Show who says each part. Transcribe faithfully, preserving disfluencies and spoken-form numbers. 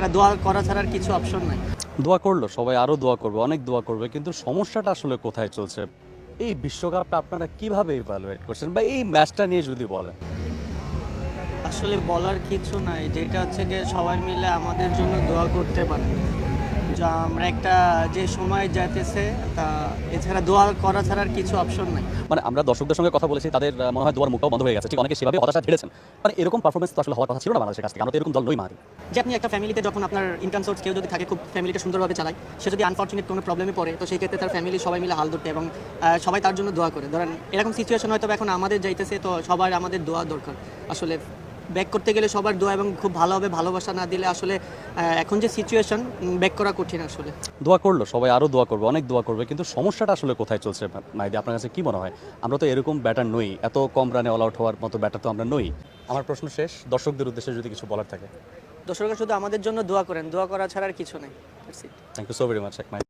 Speaker 1: এছাড়া দোয়া করা ছাড়া আর কিছু অপশন নাই।
Speaker 2: দোয়া করলো, সবাই আরও দোয়া করবে, অনেক দোয়া করবে, কিন্তু সমস্যাটা আসলে কোথায় চলছে? এই বিশ্বকাপটা আপনারা কিভাবে ইভালুয়েট করছেন, বা এই ম্যাচটা নিয়ে যদি বলেন।
Speaker 1: আসলে বলার কিছু নাই, যেটা হচ্ছে যে সবাই মিলে আমাদের জন্য দোয়া করতে পারে, যা আমরা একটা যে সময় যাইতেছে তা এছাড়া দোয়া করা ছাড়া আর কিছু অপশন নাই।
Speaker 2: মানে আমরা দর্শকদের সঙ্গে কথা বলেছি, তাদের আহ, মনে হয় দোয়ার মুখটাও বন্ধ হয়ে গেছে, ঠিক অনেকে সেভাবে হতাশা ঝেড়েছেন। মানে এরকম পারফরমেন্স তো আসলে হওয়ার কথা ছিল না বাংলাদেশের কাছ থেকে, আমরা তো এরকম দল নই মারি।
Speaker 1: যে আপনি একটা ফ্যামিলিতে যখন আপনার ইনকাম সোর্স কেউ যদি থাকে, খুব ফ্যামিলিটা সুন্দরভাবে চালায়, সে যদি আনফর্চুনেট কোনো প্রবলেমে পড়ে, তো সেই ক্ষেত্রে তার ফ্যামিলি সবাই মিলে হাল ধরতে এবং আহ, সবাই তার জন্য দোয়া করে। ধরেন এরকম সিচুয়েশন হয়তো এখন আমাদের যাইতেছে, তো সবার আমাদের দোয়া দরকার। আসলে ব্যাক করতে গেলে সবার দোয়া এবং খুব ভালোভাবে ভালোবাসা না দিলে আসলে আহ, এখন যে সিচুয়েশন, ব্যাক করা কঠিন আসলে।
Speaker 2: দোয়া করলো, সবাই আরও দোয়া করবে, অনেক দোয়া করবে, কিন্তু সমস্যাটা আসলে কোথায় চলছে মাইদি? আপনার কাছে কি মনে হয়? আমরা তো এরকম ব্যাটার নই, এত কম রানে অল আউট হওয়ার মতো ব্যাটার তো আমরা নই। আমার প্রশ্ন শেষ, দর্শকদের উদ্দেশ্যে যদি কিছু বলার থাকে।
Speaker 1: দর্শকরা শুধু আমাদের জন্য দোয়া করেন, দোয়া করা ছাড়া আর কিছু নেই।
Speaker 2: Thank you so very much.